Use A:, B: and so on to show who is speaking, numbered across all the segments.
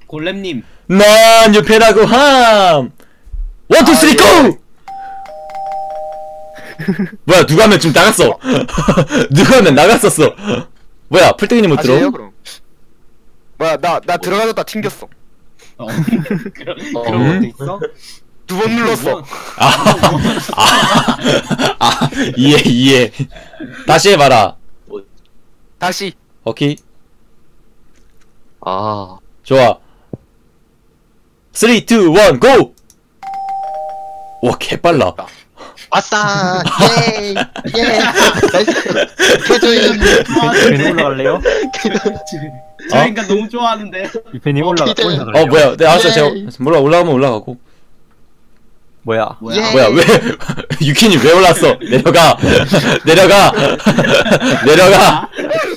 A: 골렘님.
B: 난 유패라고 함. 원, 투, 쓰리, 고! 뭐야, 누가 하면 지금 나갔어. 누가 하면 나갔었어. 뭐야, 풀떼기님 못 들어?
C: 그럼. 뭐야, 나 들어가졌다 튕겼어.
A: 그런 것도 있어?
C: 두 번 눌렀어.
B: 이해. 다시 해봐라.
C: 다시.
B: 오케이.
D: 아,
B: 좋아. 3, 2, 1, 고! 와, 개빨라.
D: 아싸! 예! 예! 나이스! 개조인!
E: 유펜님 올라갈래요?
A: 저 인간 너무 좋아하는데.
E: 유펜님 올라갈래요?
B: 뭐야. 네, 알았어. 제가 올라가면 올라가고.
E: 뭐야?
D: 예!
B: 뭐야, 왜, 유키님 왜 올랐어? 내려가! 내려가!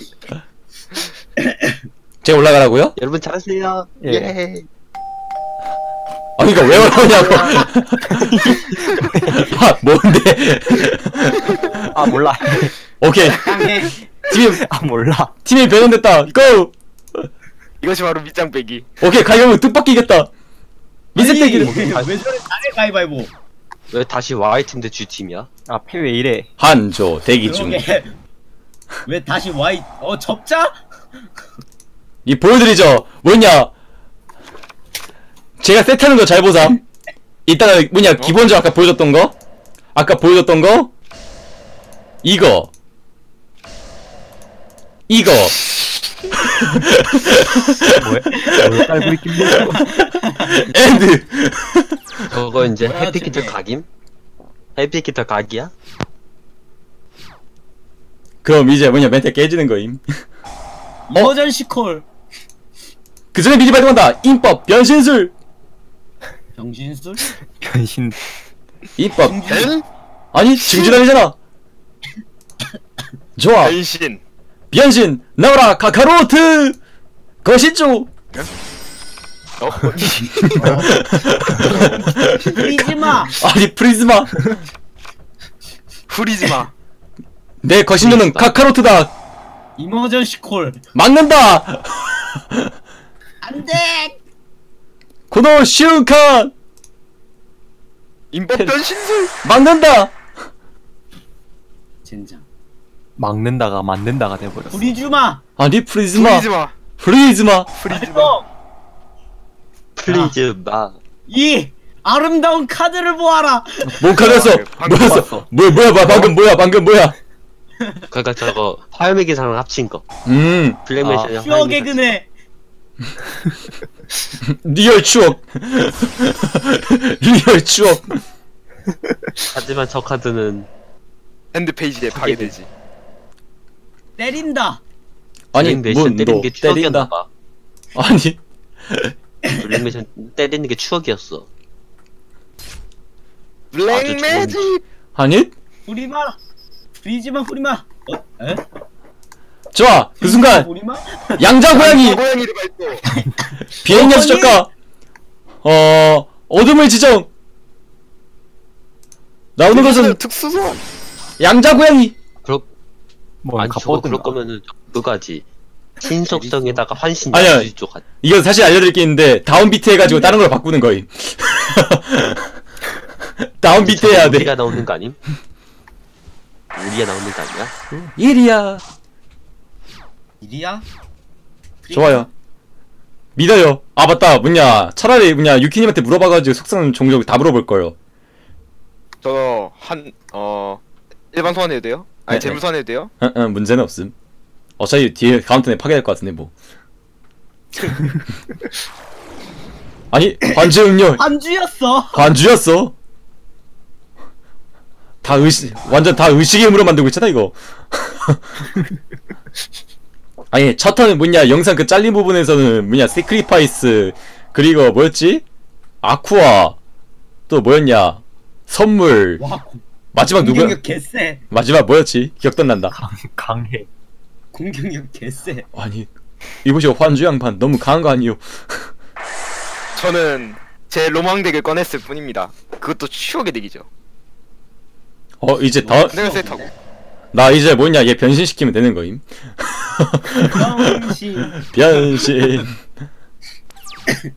B: 제가 올라가라고요?
D: 여러분 잘하세요!
E: 예.
D: 예!
B: 그니까 왜 올라오냐고! 아, 뭔데?
E: 아 몰라.
B: 오케이.
A: 강해.
E: 몰라.
B: 팀이 변형됐다. 고!
C: 이것이 바로 밑장 빼기.
B: 오케이, 가격은 뜻밖이 이겼다. 미세대기를.
A: 왜 저래 잘해 가위바위보.
D: 왜 다시 Y팀 대 G팀이야?
E: 아 패 왜 이래?
B: 한조 대기 중.
A: 그러게. 왜 다시 Y 접자?
B: 이 보여드리죠. 뭐냐? 제가 세트하는 거 잘 보자. 이따가 뭐냐 기본적으로 아까 보여줬던 거. 이거.
E: 뭐야? 깔고 있긴 뭐.
B: 엔드.
D: 그거 이제
A: 뭐야,
D: 해피키터
A: 쟤네.
D: 각임? 해피키터 각이야?
B: 그럼 이제 뭐냐 멘트 깨지는 거임.
A: 이머전시 콜.
B: 그 전에 미리 발동한다. 인법 변신술.
A: 병신술?
E: 변신.
B: 인법.
C: 변?
B: 아니 증진아니잖아. 좋아.
C: 변신.
B: 변신 나와라 카카로트. 거시죠.
A: 프리즈마.
B: 아니 프리즈마.
C: 후리지마.
B: 내 거신료는 카카로트다.
A: 이머전시 콜.
B: 막는다.
A: 안돼.
B: 코노 슈칸.
C: 인법 변신술.
B: 막는다.
A: 젠장.
E: 막는다가 만든다가 돼버렸어.
A: 프리즈마.
B: 아니 프리즈마.
C: 후리지마.
A: 프리즈마.
D: 플리즈 마.
A: 이 아름다운 카드를 보아라.
B: 뭔 카드였어?
C: 방금
B: 뭐였어?
C: 봤어.
B: 뭐야 방금 뭐야?
D: 그니까 저거 화염의 기사랑 합친 거. 블랙맨션이랑
A: 퓨어 개그네.
B: 리얼 추억. 리얼 추억.
D: 하지만 저 카드는
C: 핸드 페이지에 파괴되지.
A: 때린다.
B: 아니
D: 블랙맨션 때리는 게 추억이었나
B: 때린다.
D: 봐.
B: 아니
D: 블랙맨션 때리는 게 추억이었어.
C: 블랙 매직.
B: 아니
A: 프리마. 프리즈마 프리마. 에?
B: 좋아 그 순간
A: 프리마?
B: 양자 고양이
C: 고양이를 밟고.
B: 비행연 수적가 어둠의 지정 나오는 것은
C: 특수소환.
B: 양자 고양이.
E: 뭐
D: 아니 저거
E: 갑옷
D: 그럴 거면은 그거지. 신속성에다가 환신
B: 아니야.
D: 야수지 쪽 같.
B: 이거 사실 알려드릴 게 있는데 다운비트 해가지고 다른 걸 바꾸는 거임. 다운비트 해야 돼.
D: 우리가 나오는 거 아님? 우리가 나오는 거 아니야?
B: 일이야.
A: 일이야?
B: 좋아요. 믿어요. 아 맞다. 뭐냐 차라리 뭐냐 유키님한테 물어봐가지고 속성 종족 다 물어볼 거요.
C: 저 일반 소환해도 돼요? 아니
B: 네,
C: 재물 소환해도 돼요?
B: 응, 문제는 없음. 어차피 뒤에 카운터에 파괴될 것 같은데 뭐. 아니 관주 응렬
A: 안주였어.
B: 관주였어. 다 완전 다 의식의 힘으로 만들고 있잖아 이거. 아니 첫 턴은 뭐냐 영상 그 잘린 부분에서는 뭐냐 세크리파이스 그리고 뭐였지? 아쿠아 또 뭐였냐 선물
A: 와
B: 마지막 누구야?
A: 공격력 개쎄.
B: 마지막 뭐였지? 기억도 안 난다.
E: 강해.
A: 공격력 개쎄.
B: 아니 이보시오 환주 양반 너무 강한 거 아니요?
C: 저는 제 로망 덱을 꺼냈을 뿐입니다. 그것도 추억의 덱이죠.
B: 이제 더
C: 내가 세트하고.
B: 나 이제 뭐냐 얘 변신시키면 되는 거임.
A: 병신.
B: 변신.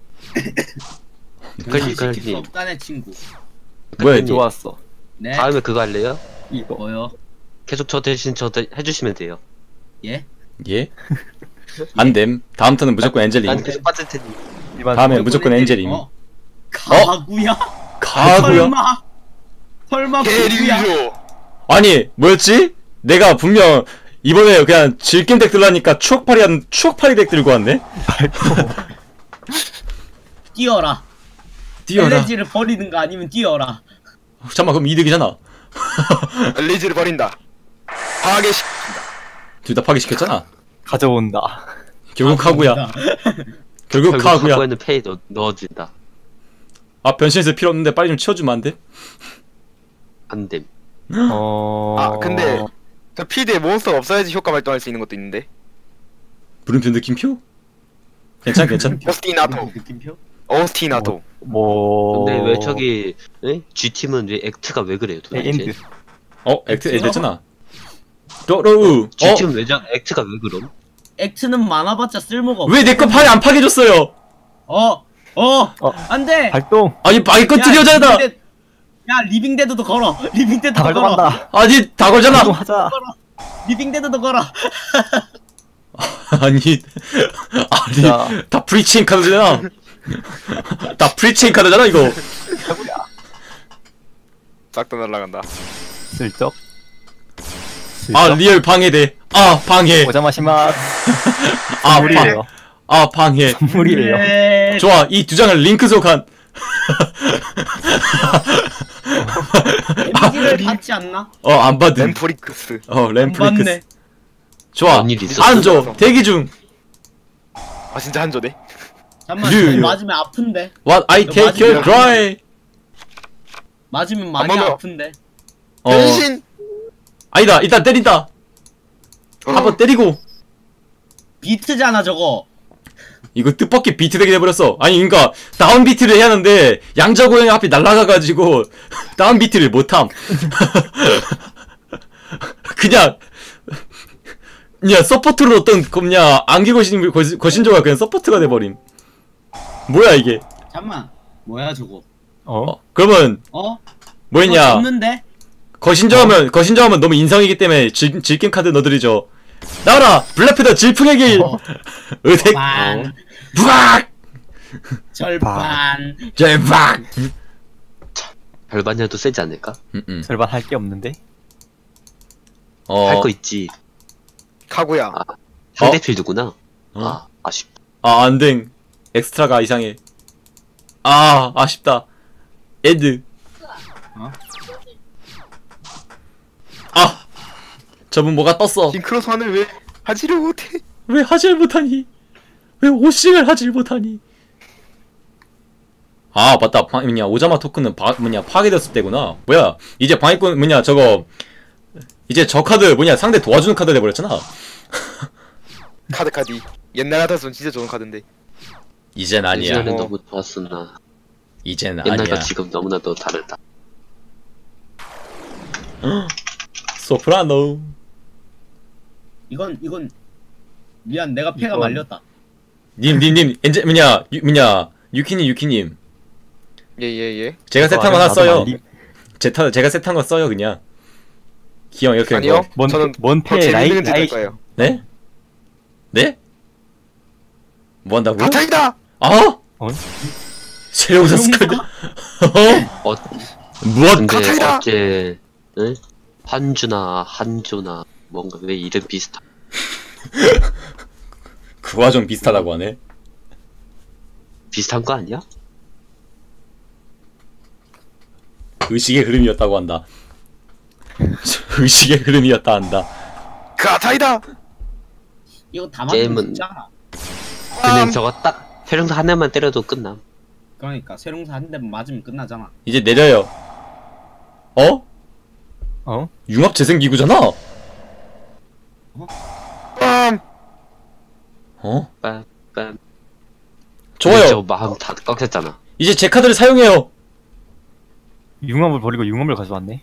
D: 걸리
A: 시킬 수
D: 걸리.
A: 없다네 친구.
B: 뭐야,
D: 걸리.
E: 좋았어.
A: 네.
D: 다음에 그거 할래요?
E: 이거.
A: 뭐요?
D: 계속 저 대신 해주시면 돼요.
A: 예?
B: 예? 안됨. 다음 턴은 무조건
D: 난
B: 엔젤임.
D: 계속 빠질 테니.
E: 이만
B: 다음에 무조건 엔젤임.
A: 가구야?
B: 가구야?
A: 설마 가구야?
C: 대리죠.
B: 아니, 뭐였지? 내가 분명 이번에 그냥 질겜 덱 들라니까 추억팔이 덱 들고 왔네?
A: 뛰어라.
B: 뛰어라.
A: 엘레지를 버리는가 아니면 뛰어라.
B: 잠깐만, 그럼 이득이잖아.
C: 엘리지를 버린다. 파괴시.
B: 둘 다 파괴시켰잖아.
E: 가져온다.
B: 결국 카구야. 결국 카구야.
D: 카구에는 페이 넣어준다.
B: 아, 변신해서 필요 없는데 빨리 좀 치워주면 안 돼?
D: 안됨.
C: 아 근데 저 필드에 몬스터가 없어야지 효과 발동할 수 있는 것도 있는데.
B: 물음표 느낌표? 괜찮.
C: 오스티나토.
A: 느낌표?
C: 오스티나토.
E: 뭐.
D: 근데 왜 저기 G팀은 왜 액트가 왜 그래요 도대체?
E: 엔드.
B: 액트 됐잖아. 로우.
D: G팀은 왜 액트가 왜 그럼?
A: 액트는 많아봤자 쓸모가 없어.
B: 왜 내 거 팔이 안 파괴줬어요?
A: 안 돼!
E: 발동.
B: 아니, 마이 거 드려잖아.
A: 야, 리빙데드도 걸어. 리빙데드도
E: 다
A: 걸어.
E: 발동한다.
B: 아니, 다 걸잖아.
E: 발동하자.
A: 리빙데드도 걸어.
B: 아니,
E: 자.
B: 다 프리체인 카드잖아. 다 프리체인 카드잖아, 이거.
C: 싹 다 날라간다.
E: 슬쩍.
B: 아, 리얼 방해돼. 아, 방해.
E: 오자마시마스.
B: 아,
E: 선물이에요.
B: 아, 방해.
E: 선물이에요.
A: 네.
B: 좋아, 이 두 장을 링크 속한.
A: 데미지를 받지 않나?
B: 안 받은.
C: 램프리크스.
A: 안
B: 램프리크스.
A: 받네.
B: 좋아.
D: 뭔일 있었어?
B: 안 줘. 대기 중.
C: 아 진짜 한조네.
A: 잠깐만,
B: 유.
A: 저거 맞으면 아픈데.
B: What I take your cry.
A: 맞으면 많이
C: 한 번 더.
A: 아픈데.
C: 변신.
B: 아니다, 일단 때린다. 한번 때리고.
A: 비트잖아, 저거.
B: 이거 뜻밖의 비트 되게 돼버렸어. 아니, 그니까, 다운 비트를 해야 하는데, 양자고양이 앞이 날아가가지고, 다운 비트를 못함. 그냥, 서포트로 어떤, 안개 거신조가 그냥 서포트가 돼버림. 뭐야, 이게.
A: 잠깐만. 뭐야, 저거.
B: 그러면,
A: 어?
B: 뭐였냐.
A: 없는데?
B: 거신조하면 너무 인성이기 때문에 질긴 카드 넣어드리죠. 나와라! 블랙패더 질풍의 길! 의색!
A: 반.
B: 부악!
A: 절반.
B: 제박!
D: 별반녀도 세지 않을까?
E: 절반 할 게 없는데.
D: 할 거 있지.
C: 카구야.
D: 상대 필드구나. 아 아쉽다.
B: 안댕. 엑스트라가 이상해. 아쉽다. 엔드. 저분 뭐가 떴어.
C: 싱크로 선을 왜 하지를 못해?
B: 왜 하질 못하니? 왜 오싱을 하질 못하니? 맞다. 오자마 토큰은 파괴됐을 때구나. 뭐야, 이제 방해꾼, 저거, 이제 저 카드, 상대 도와주는 카드 돼버렸잖아.
C: 카드. 옛날 같았으면 진짜 좋은 카드인데.
B: 이젠 아니야.
D: 예전에는 너무 좋았었나.
B: 이젠
D: 옛날과
B: 아니야.
D: 지금 너무나도 다르다.
B: 소프라노.
A: 이건 미안, 내가 패가
E: 이건-
A: 말렸다.
B: 님, 유키님.
C: 예.
B: 제가 세트한 거 하나
E: 나도
B: 써요.
E: 말리-
B: 제가 세트한 거 써요, 그냥. 기왕 이렇게.
C: 아니요.
B: 뭐.
C: 저는
E: 뭔패
C: 재밌는 짓 할
E: 라이
C: 거예요.
B: 네? 네? 뭐 한다고?
C: 가타이다.
B: 어?
E: 어?
B: 세용사 스카드?
D: 어
B: 무엇?
D: 근데
C: 가타이다!
D: 어제 한조나 뭔가 왜 이름 비슷하?
B: 그 과정 비슷하다고 하네.
D: 비슷한 거 아니야?
B: 의식의 흐름이었다고 한다. 의식의 흐름이었다 한다.
C: 가타이다.
A: 이거 다 맞으면
D: 게임은-
A: 진짜나.
D: 그냥 저거 딱 태릉사 한 대만 때려도 끝남.
A: 그러니까 세롱사 한 대만 맞으면 끝나잖아.
B: 이제 내려요. 융합 재생기구잖아.
D: 빰빰.
B: 좋아요.
D: 저 마음 다 꺾였잖아.
B: 이제 제 카드를 사용해요.
E: 융합을 버리고 융합을 가져왔네.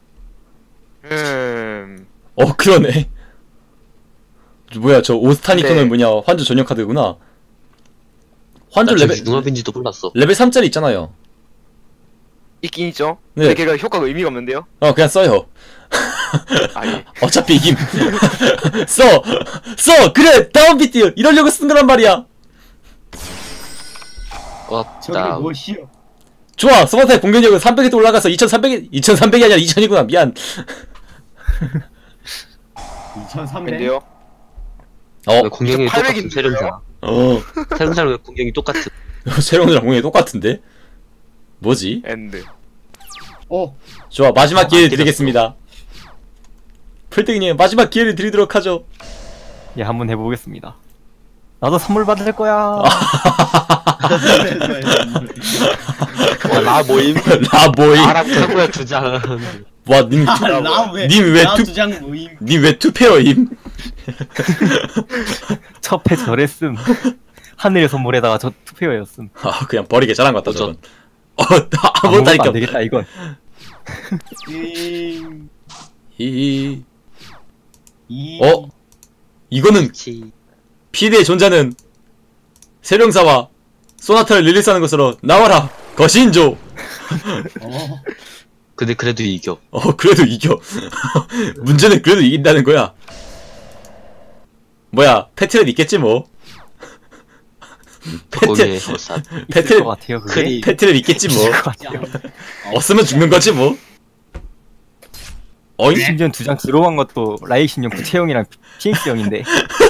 B: 그러네. 뭐야, 저 오스타니크는
C: 네.
B: 환주 전용 카드구나. 환절
D: 나
B: 레벨
D: 저기 융합인지도 몰랐어.
B: 레벨 3짜리 있잖아요.
C: 있긴 있죠.
B: 네.
C: 근데 걔가 효과가 의미가 없는데요.
B: 그냥 써요.
C: 아 예.
B: 어차피 이김. 써! 그래! 다운비트! 이러려고 쓴 거란 말이야!
A: 저게
D: 없다.
A: 무엇이요?
B: 좋아! 소바타의 공격력은 300에 또 올라가서 2300이 아니라 2000이구나. 미안.
A: 2300.
C: 근데요.
B: 어,
D: 왜 공격이
C: 800
D: 똑같은
C: 인데요?
D: 세련사. 세련사랑 왜 공격이 똑같은?
B: 세령이랑 공격이 똑같은데? 뭐지?
C: 엔드.
B: 좋아, 마지막 기회를
D: 안
B: 드리겠습니다. 풀떼기님, 마지막 기회를 드리도록 하죠.
E: 예, 한번 해보겠습니다. 나도 선물 받을 거야.
D: 나 모임.
B: 나 뭐임?
D: 나랑 사고야 2장.
B: 와, 님
A: 나두장 모임.
B: 왜 투페어임?
E: 첫회 저랬음. 하늘의 선물에다가 저 투페어였음.
B: 그냥 버리게 잘한 것 같다, 저건. 아무것도
E: 아무것도
B: 할게
E: 안
B: 없.
E: 되겠다 이건.
B: 이
A: 이.
B: 이거는
D: 그치.
B: 피드의 존재는 세령사와 소나타를 릴리스하는 것으로 나와라 거신조.
D: 근데 그래도 이겨.
B: 그래도 이겨. 문제는 그래도 이긴다는 거야. 뭐야, 패트렛 있겠지 뭐.
D: 거기에 어산.
E: 있을 것 같아요 그게.
D: 크리.
B: 패트렛 있겠지 뭐.
E: 있을 것 같아요.
B: 없으면 죽는 거지 뭐. 어잉?
E: 심지어 2장 들어간 것도 라이신형 구체형이랑 PX형인데.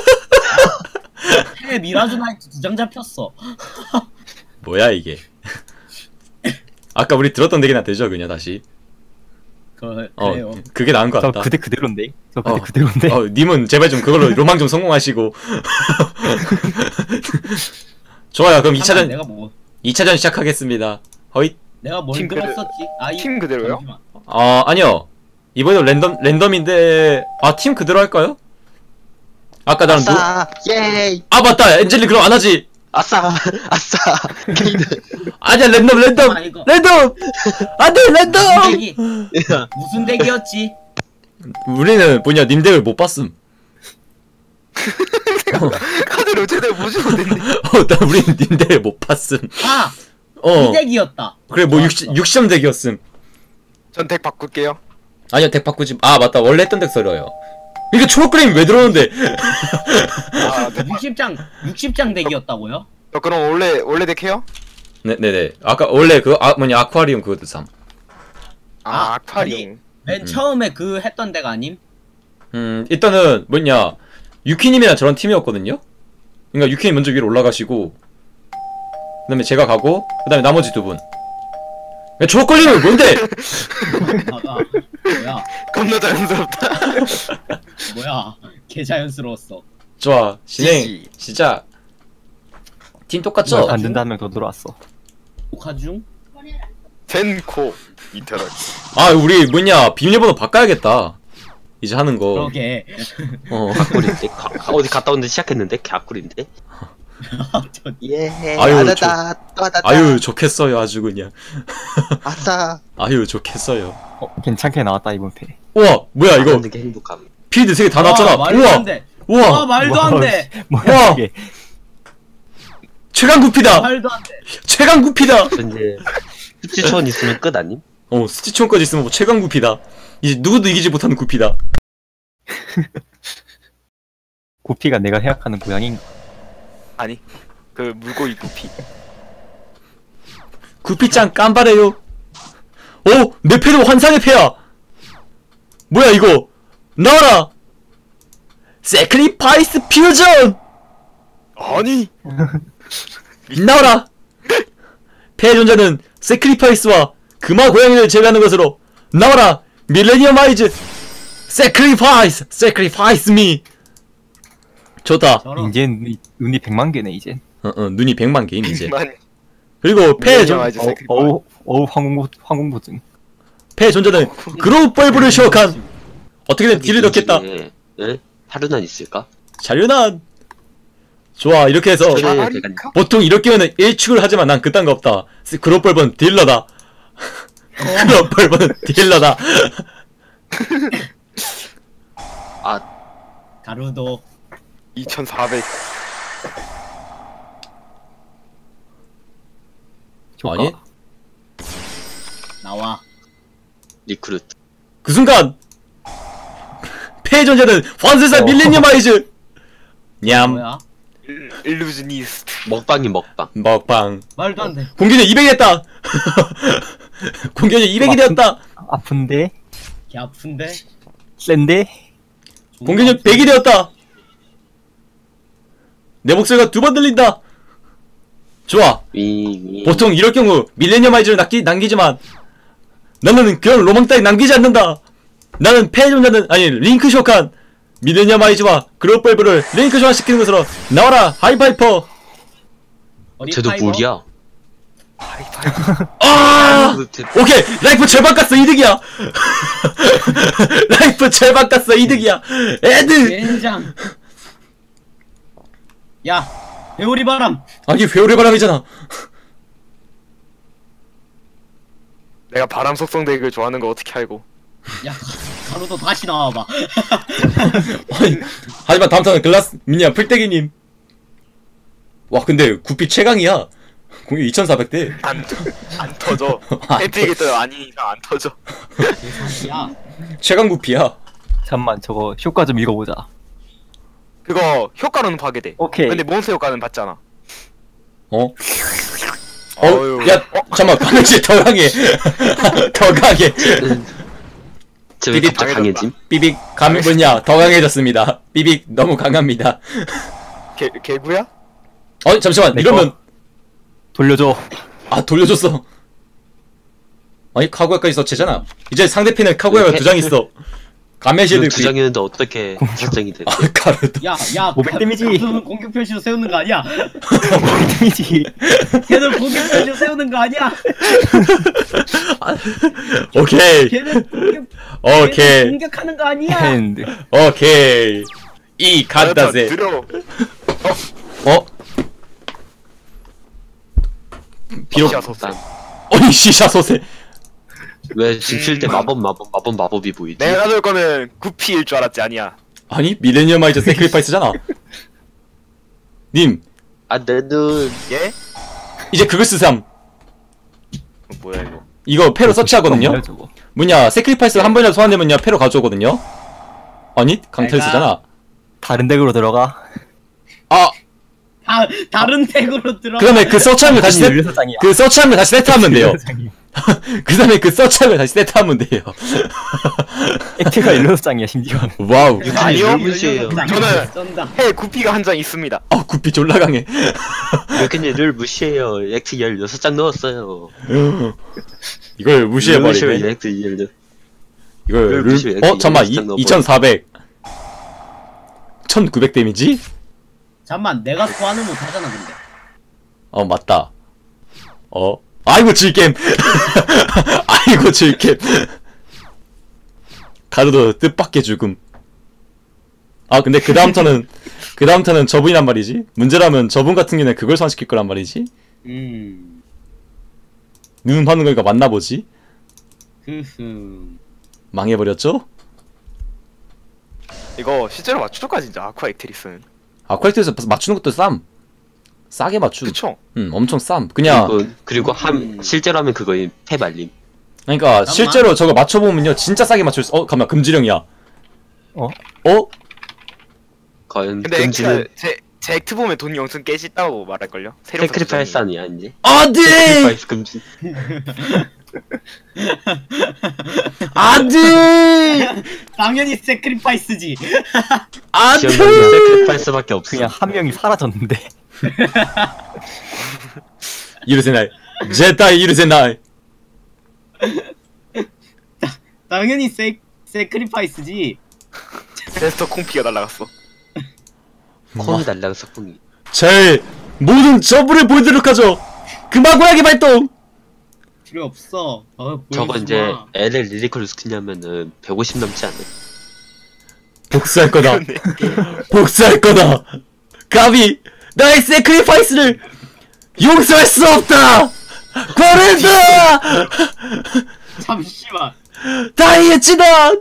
A: 해 미라주 나이트 2장 잡혔어.
B: 뭐야 이게. 아까 우리 들었던 얘기나 되죠 그냥 다시.
A: 그래요.
B: 그게 나은 것
E: 저
B: 같다.
E: 그대 그대로인데. 저 그대 그대로인데.
B: 님은 제발 좀 그걸로 로망 좀 성공하시고. 좋아요. 그럼 2차전
A: 내가 뭐
B: 2차전 시작하겠습니다. 허잇.
A: 내가 뭘
C: 팀 그대로-
A: 들었었지?
C: 팀 그대로요?
A: 잠시만.
B: 아니요. 이번에도 랜덤인데 팀 그대로 할까요? 아까 나는
D: 아싸. 예이.
B: 맞다. 엔젤리 그럼 안 하지.
D: 아싸. 아싸. 게이드.
B: 아니야, 랜덤.
A: 이거
B: 랜덤. 안 돼, 랜덤.
A: 대기 무슨 대기였지?
B: 우리는 뭐냐, 님 덱을 못 봤음.
C: 카드를 제대로 보지 못했네.
B: 우리는 님 덱을 못 봤음.
A: 이 대기였다.
B: 그래, 뭐 60점 덱이었음.
C: 전 덱 바꿀게요.
B: 아니요, 덱 바꾸지. 맞다. 원래 했던 덱 써려요. 이게 초록그램이 왜 들어오는데?
C: 아, 네.
A: 60장 대기였다고요?
C: 저 그럼 원래 덱 해요?
B: 네네네. 아까 원래 아쿠아리움 그것도 삼.
C: 아쿠아리움.
A: 맨 처음에 그 했던 데가 아님?
B: 일단은 뭐냐, 유키님이랑 저런 팀이었거든요. 그러니까 유키님 먼저 위로 올라가시고, 그다음에 제가 가고, 그다음에 나머지 두 분. 야, 초록걸리는 뭔데?
A: 뭐야?
C: 겁나 자연스럽다.
A: 뭐야? 개 자연스러웠어.
B: 좋아, 진행
C: 지지.
B: 시작. 팀 똑같죠?
E: 안 된다 한 명 더 들어왔어.
A: 녹화중?
C: 젠코 이터널.
B: 우리 뭐냐, 비밀번호 바꿔야겠다. 이제 하는 거.
A: 그러게.
D: 꿀인데? 어디 갔다 온데 시작했는데? 개꿀인데? 예.
B: 아유,
D: 아다다. 또아다다.
B: 아유, 좋겠어요, 아주 그냥.
D: 아싸.
B: 아유, 좋겠어요.
E: 괜찮게 나왔다 이번 회.
B: 우와, 뭐야 이거.
D: 하는 게 행복함.
B: 필드 3개 다 나왔잖아.
A: 말도
B: 우와,
A: 안 돼.
B: 우와,
A: 말도 안 돼.
E: 뭐야 이게.
B: 최강 구피다.
A: 말도 안 돼.
B: 최강 구피다.
D: 이제 수치촌 있으면 끝 아님?
B: 스티치온까지 있으면 뭐 최강 구피다. 이제 누구도 이기지 못하는 구피다.
E: 구피가 내가 생각하는 고양인가?
C: 아니 그 물고기 구피.
B: 구피짱 깜바래요. 내 패도 환상의 패야. 뭐야 이거. 나와라. 세크리파이스 퓨전.
C: 아니
B: 나와라. 패의 존재는 세크리파이스와 금화 고양이를 제외하는 것으로 나와라. 밀레니엄 아이즈. 세크리파이스 미. 좋다.
A: 저런.
E: 이제 눈이 100만 개네 이제.
B: 눈이 100만 개임 이제.
C: 만
B: 그리고 패의
E: 어우 황공보증.
B: 패의 존재는 그로벌브를 시작한 어떻게든 딜을 넣겠다.
D: 예? 하루난 있을까?
B: 자료난. 좋아, 이렇게 해서
D: 제가
B: 보통 이렇게 하면 1축을 하지만 난 그딴 거 없다. 그로벌브는 딜러다. 그로벌브는 딜러다.
A: 가루도
C: 2400.
E: 효과.
B: 아니
A: 나와.
D: 리크루트.
B: 그 순간 폐존재는 환세사 밀레니엄 아이즈. 냠.
A: 뭐야?
C: 일루즈니스트.
D: 먹방이 먹방.
B: 먹방.
A: 말도 안 돼.
B: 공격력 200이 됐다. 공격력 200이 되었다.
E: 아픈데?
A: 개 아픈데.
E: 센데?
B: 공격력 100이 되었다. 내 목소리가 두 번 들린다. 좋아.
D: 위.
B: 보통 이럴 경우 밀레니엄 아이즈를 남기지만 나는 그런 로망 따위 남기지 않는다. 나는 폐존자는 아니 링크 쇼칸 밀레니엄 아이즈와 그로벌브를 링크 소환시키는 것으로 나와라 하이파이퍼.
A: 어디
D: 쟤도
A: 파이버?
D: 물이야.
B: 아 오케이 라이프 절반 깠어 이득이야. 라이프 절반 깠어 이득이야. 애드.
A: 젠장. 야, 배우리 바람.
B: 아 이게 회오리 바람이잖아.
C: 내가 바람 속성 덱을 좋아하는 거 어떻게 알고?
A: 야, 가로도 다시 나와봐.
B: 아니, 하지만 다음 턴은 글라스 미니야 풀떼기님. 와 근데 구피 최강이야. 공격 2400대.
C: 안 터져. 해피기 또 아니 이상 안 터져.
A: 야,
B: 최강 구피야.
E: 잠만 저거 효과 좀 읽어보자.
C: 그거 효과로는 파괴돼.
E: 오케이.
C: 근데 몬스터 효과는 받잖아.
B: 어?
C: 어휴.
B: 야, 잠깐만, 방금씨 더 강해. 더 강해.
D: 쟤왜
B: 비비
D: 갑자기 강해짐?
B: 삐빅, 뭐냐, 더 강해졌습니다. 삐빅, 너무 강합니다.
C: 개구야?
B: 잠시만,
E: 내
B: 이러면,
E: 돌려줘.
B: 아, 돌려줬어. 아니, 카구야까지 서치잖아. 이제 상대편에 카구야가 2장 있어. 가메시드
D: 두 장이었는데 어떻게 5장이 됐지?
B: 아, 카르도.
A: 야,
E: 500 데미지.
A: 걔는 공격 표시로 세우는 거 아니야?
E: 데미지.
A: 걔는 공격 표시로 세우는 거 아니야?
B: 오케이.
A: 걔는
B: 오케이.
A: 공격하는 거 아니야?
E: 핸드.
B: 오케이. 이 간다세.
C: 들어.
B: 어? 비록,
C: 시야소세.
B: 어이, 시샤소세.
D: 왜 지킬 때 마법이 보이지?
C: 내가 가져올 거는 구피일 줄 알았지 아니야.
B: 아니, 밀레니엄 아이즈 세크리파이스잖아. 님,
D: 아, 내 눈.
C: 예?
B: 이제 그걸 쓰삼.
C: 뭐야 이거?
B: 이거 패로 서치하거든요?
E: 뭐야, 저거.
B: 뭐냐, 세크리파이스가 한 번이라도 소환되면요, 패로 가져오거든요? 아니, 강탈 쓰잖아.
E: 다른 덱으로 들어가.
B: 아,
A: 다른 덱으로 들어.
B: 그 다음에 그 서치하면 다시 세트,
E: 율사장이야.
B: 그 서치하면 다시 세트하면 돼요.
E: 율사장이야.
B: 그 다음에 그 서치하면 다시 세트하면 돼요.
E: 액트가 율사장이야 심지어.
B: 와우.
C: 아니요.
D: 무시해요.
C: 저는
A: 쩐다.
C: 해 구피가 한 장 있습니다.
B: 아, 구피 졸라 강해.
D: 이렇게 늘 무시해요. 액트 16장 넣었어요.
B: 이걸 무시해버리네.
D: 액트 16.
B: 이걸,
D: 무시해.
B: 잠깐만,
D: 진짜 넣어버려.
B: 2400. 1900 데미지?
A: 잠만, 내가 소환을 못 하잖아 근데.
B: 맞다. 아이고, 질겜. 아이고, 질겜. 가르도 뜻밖의 죽음. 아, 근데 그 다음 턴은 저분이란 말이지? 문제라면 저분 같은 경우는 그걸 소환시킬 거란 말이지? 눈 파는 거니까 맞나보지? 망해버렸죠?
C: 이거 실제로 맞출까 진짜 아쿠아 액트리스는.
B: 아쿠아이트에서 맞추는 것도 싸게 맞춤.
C: 그쵸?
B: 엄청 쌈. 그냥,
D: 그리고 실제로 하면 그거인 패발림.
B: 그러니까 실제로 저거 맞춰보면요, 진짜 싸게 맞출 수, 잠깐만, 금지령이야.
E: 어?
D: 과연
C: 근데
D: 금지는
C: 제 액트 보면 돈이 엄청 깨졌다고 말할걸요?
D: 세크리파이스 아니야 이제?
B: 안 돼!
D: 세크리파이스 금지.
B: 안 돼!
A: 당연히 세크리파이스지.
B: 안
D: 기억나는
B: 돼!
D: 게 세크리파이스밖에 없어.
E: 그냥 한 명이 사라졌는데.
B: 이르세나이. 제타이 이르세나이.
A: 당연히 세크리파이스지.
C: 데스터 콩피가 날라갔어.
D: 콩이 날라가서 콩이.
B: 제 모든 저불을 보여드리도록 하죠. 금화고양이 발동!
A: 필요 없어.
D: 저거
A: 보여주지
D: 이제
A: 마.
D: LL 리리컬 스키냐면은 150 넘지 않아?
B: 복수할 거다. 복수할 거다. 감히 나의 세크리파이스를 용서할 수 없다. 고른다.
A: 잠시만.
B: 다이애치다.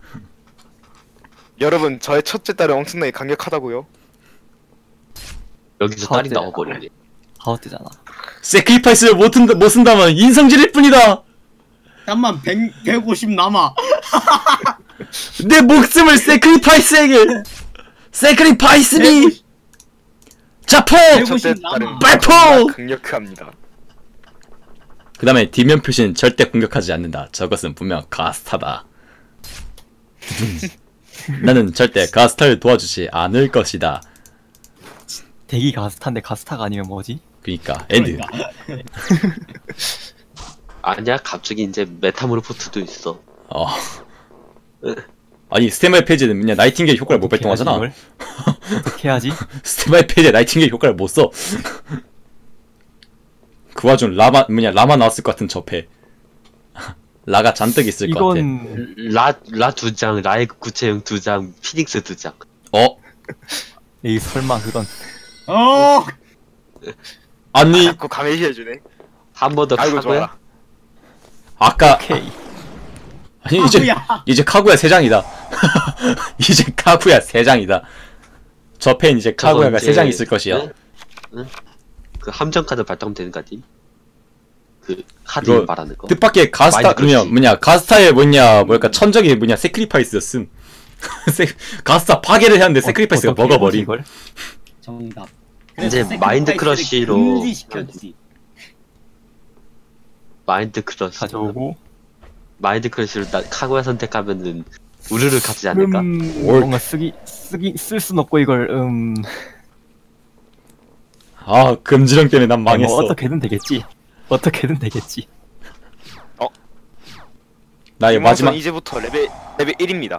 C: 여러분 저의 첫째 딸은 엄청나게 강력하다고요?
D: 여기서 딸이 나와버리네.
E: 가웃되잖아.
B: 세크리파이스를 못 쓴다면 인성질일 뿐이다.
A: 잠만 150 남아.
B: 내 목숨을 세크리파이스에게. 세크리파이스니. 자포.
A: 150 남아.
B: 발포!
C: 강력합니다.
B: 그 다음에 뒷면 표시는 절대 공격하지 않는다. 저것은 분명 가스타다. 나는 절대 가스타를 도와주지 않을 것이다.
E: 대기 가스타인데 가스타가 아니면 뭐지?
B: 그니까 엔드.
D: 아니야, 갑자기 이제 메타모르포트도 있어.
B: 어. 아니 스테마의 페이지는 그냥 나이팅게일 효과를 못
E: 어떻게
B: 발동하잖아.
E: 하지, 이걸? 어떻게 하지?
B: 스테마의 페이지에 나이팅게일 효과를 못 써. 그 와중 라마 나왔을 것 같은 접해. 라가 잔뜩 있을 것 같아.
E: 이건
D: 라 2장, 라의 구체형 2장, 피닉스 2장.
B: 어?
E: 이 설마 그건
A: 어.
B: 아니
C: 자꾸 가메시해주네.
D: 한 번 더
C: 아이고
D: 카고야?
C: 좋아.
B: 아까
E: 오케이.
B: 아니
A: 카구야.
B: 이제 카구야 3장이다. 이제 카구야 3장이다. 저펜 이제
D: 저거
B: 카구야가
D: 이제-
B: 3장 있을 것이야.
D: 응? 응? 그 함정 카드 발동되는 거지? 그 카드
B: 이거
D: 말하는 거.
B: 뜻밖의 가스타
D: 마인드 크러쉬.
B: 가스타의 뭐랄까 천적이 세크리파이스였음. 가스타 파괴를 했는데 세크리파이스가
E: 어떻게
B: 먹어버린.
E: 이걸?
A: 정답.
D: 이제 마인드 크러쉬로
A: 금지시켰지.
D: 마인드 크러쉬.
E: 가져오고
D: 마인드 크러쉬로 카고야 선택하면은 우르르 가지 않을까?
E: 뭔가 쓸 순 없고 이걸
B: 아 금지령 때문에 난 망했어.
E: 뭐 어떻게든 되겠지. 어떻게든 되겠지.
B: 나의 마지막.
C: 이제부터 레벨 1입니다.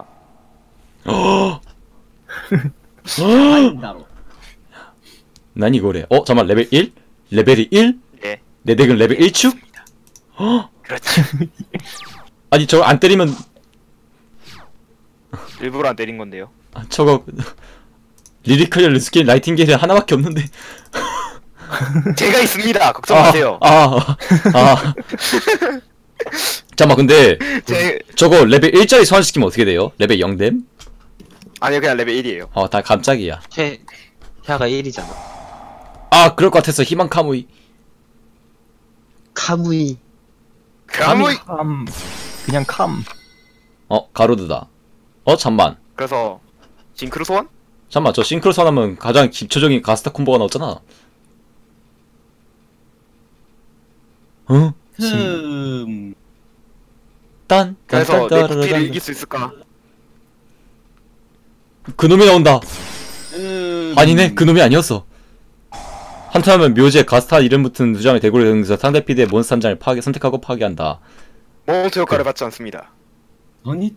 A: 마인다로.
B: 난 이거래. 잠깐만 레벨 1? 레벨이 1?
C: 네.
B: 내 덱은 레벨 1축?
C: 그렇지.
B: 아니 저거 안 때리면
C: 일부러 안 때린 건데요.
B: 저거 리리컬 스킬 나이팅게일이 하나밖에 없는데.
C: 제가 있습니다. 걱정 마세요.
B: 잠깐만 근데
C: 제
B: 저거 레벨 1짜리 소환시키면 어떻게 돼요? 레벨 0됨?
C: 아니요 그냥 레벨 1이에요.
B: 다 깜짝이야.
D: 태아가 1이잖아.
B: 그럴 것 같았어. 희망 카무이.
D: 카무이.
C: 가무이.
E: 그냥 캄.
B: 가로드다. 잠만.
C: 그래서 징크로 소환?
B: 잠만 저 싱크로 소환하면 가장 기초적인 가스타 콤보가 나왔잖아. 응? 딴.
C: 그래서 내 구피를 이길 수 있을까?
B: 그놈이 나온다. 아니네 그놈이 아니었어. 한타하면 묘지에 가스타 이름 붙은 2장의 대구를 등에서 상대 피드의 몬스터 한 장을 선택하고 파괴한다.
C: 몬스터 효과를 받지 않습니다.
A: 아니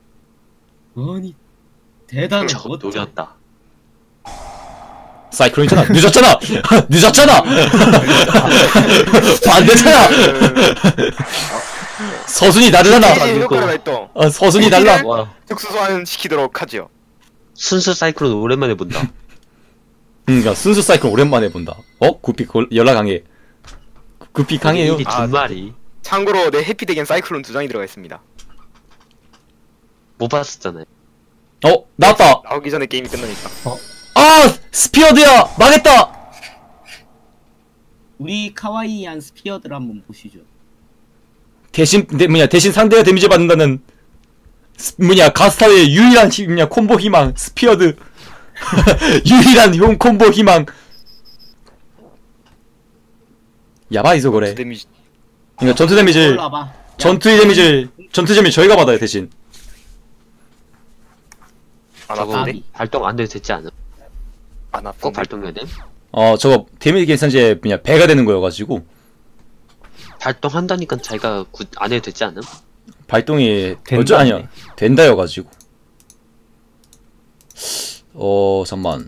A: 대단한
D: 저거 노렸다.
B: 사이클론이잖아. 늦었잖아. 늦었잖아. 반대잖아. 서순이 다르잖아.
C: 피지 효과를 발동.
B: 서순이 달라.
D: 와,
C: 특수 소환 시키도록 하지요.
D: 순수 사이클론 오랜만에 본다.
B: 그러니까 순수 사이클 오랜만에 본다. 구피 연락 강해. 구피 강해요.
D: 일이 두 마리.
C: 참고로 내 해피덱엔 사이클론 2장이 들어가 있습니다.
D: 못 봤었잖아요.
B: 나왔다.
C: 나오기 전에 게임이 끝나니까.
B: 스피어드야. 망했다.
A: 우리 카와이한 스피어들 한번 보시죠.
B: 대신 상대가 데미지 받는다는 가스타의 유일한 콤보 희망 스피어드. 유일한 콤보 희망. 야바이소 그래.
C: 데미지.
B: 그러니까 전투 데미지를
A: 올라봐.
B: 전투 데미지 저희가 받아요 대신.
C: 안
D: 저거
C: 아픈데?
D: 발동 안 돼도 되지 않아?
C: 안
D: 꼭
C: 아픈데?
D: 발동해야 돼?
B: 저거 데미지 계산제 배가 되는 거여가지고
D: 발동한다니까 자기가 안 해도 되지 않음?
B: 발동이
E: 된다네.
B: 아니야 된다여가지고. 잠만.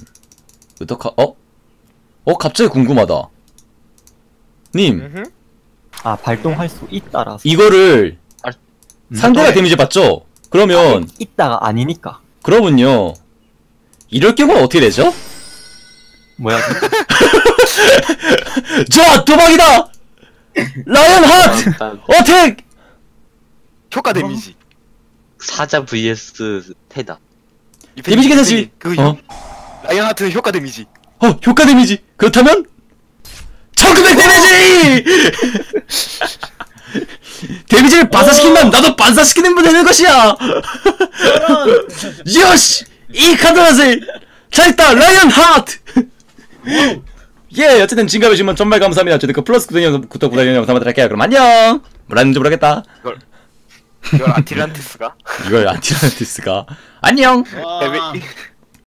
B: 갑자기 궁금하다. 님
C: 음흠.
E: 발동할 수 있다라서.
B: 이거를 상대가
C: 네.
B: 데미지 받죠? 그러면
E: 있다가 아니니까.
B: 그러면요 이럴 경우는 어떻게 되죠?
E: 뭐야?
B: 자 도박이다. 라이언 하트
D: 일단
B: 어택.
C: 효과 데미지.
D: 사자 vs 테다.
B: 데미지 계산시.
C: 라이언 하트는 효과 데미지.
B: 효과 데미지. 그렇다면 1900 데미지! 데미지를 반사시킨다면 나도 반사시키는 분 되는 것이야! 요시! 이 카드라세! 잘했다! 라이언 하트! 예, 어쨌든 진가해주시면 정말 감사합니다. 저도 그 플러스 구독 부탁드리는 영상만 할게요. 그럼 안녕! 뭐라는지 모르겠다.
C: 이걸 아티란티스가?
B: 이걸 아티란티스가. 안녕!
A: 와.
C: 데뷔